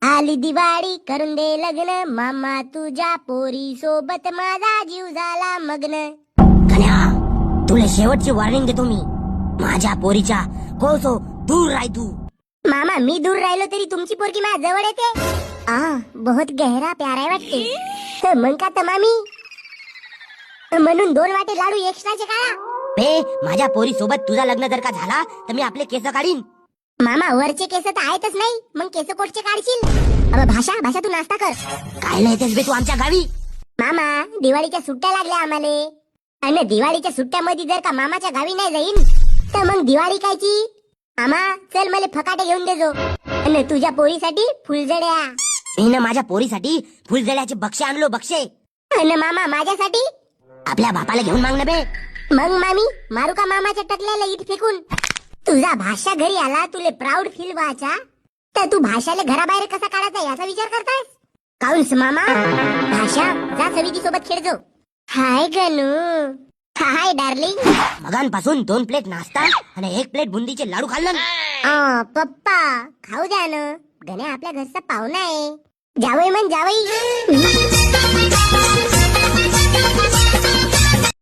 आली दिवाळी करून दे लग्न, मामा तुझ्या पोरी सोबत माझा जीव झाला मग्न. कन्या, तुला शेवटची वॉर्निंग देतो मी. माझ्या पोरीच्या कोसो दूर राह तू. मामा मी दूर राहिलो तरी तुमची पोरगी माझ्या जवळ येते. बहुत गहरा प्यार आहे वाटते. मग का तर मामी, म्हणून 2 वाटे लाडू एक्स्ट्राचे काढा. बे, माझ्या पोरी सोबत तुझा लग्न जर का झाला तर मी आपले केस काढीन. मामा वरचे केस तर आहेतच नाही, मग केस कोटचे काढशील. भाषा तू नाश्ता कर. काय येतेस बे तू आमच्या गावी? मामा दिवाळीच्या सुट्ट्या लागल्या आम्हाले, आणि दिवाळीच्या सुट्ट्यामध्ये जर का मामाच्या गावी नाही जाईन तर मग दिवाळी कायची. मामा चल मला फकाटे घेऊन देजो, आणि तुझ्या पोरीसाठी फुलझड्या. मी माझ्या पोरीसाठी फुलझड्याचे बक्षे आणलो, बक्षे. आणि मामा माझ्यासाठी आपल्या बापाला घेऊन मागणं बे. मग मामी मारू का मामाच्या टकल्याला इट फेकून. तुझा भाषा घरी आला तुले प्राऊड फील व्हायचा, तर तू भाषाला घराबाहेर कसा काढायचा याचा विचार करतायस. काऊन्स मामा, भाषा जा सविती सोबत खेळजो. हाय गनू, हाय डार्लिंग. मगांपासून 2 प्लेट नाश्ता आणि 1 प्लेट बुंदीचे लाडू खाल्लं. पप्पा खाऊ द्या ना, गण्या आपल्या घरचा पाहुणा आहे. जावई म्हण जावई.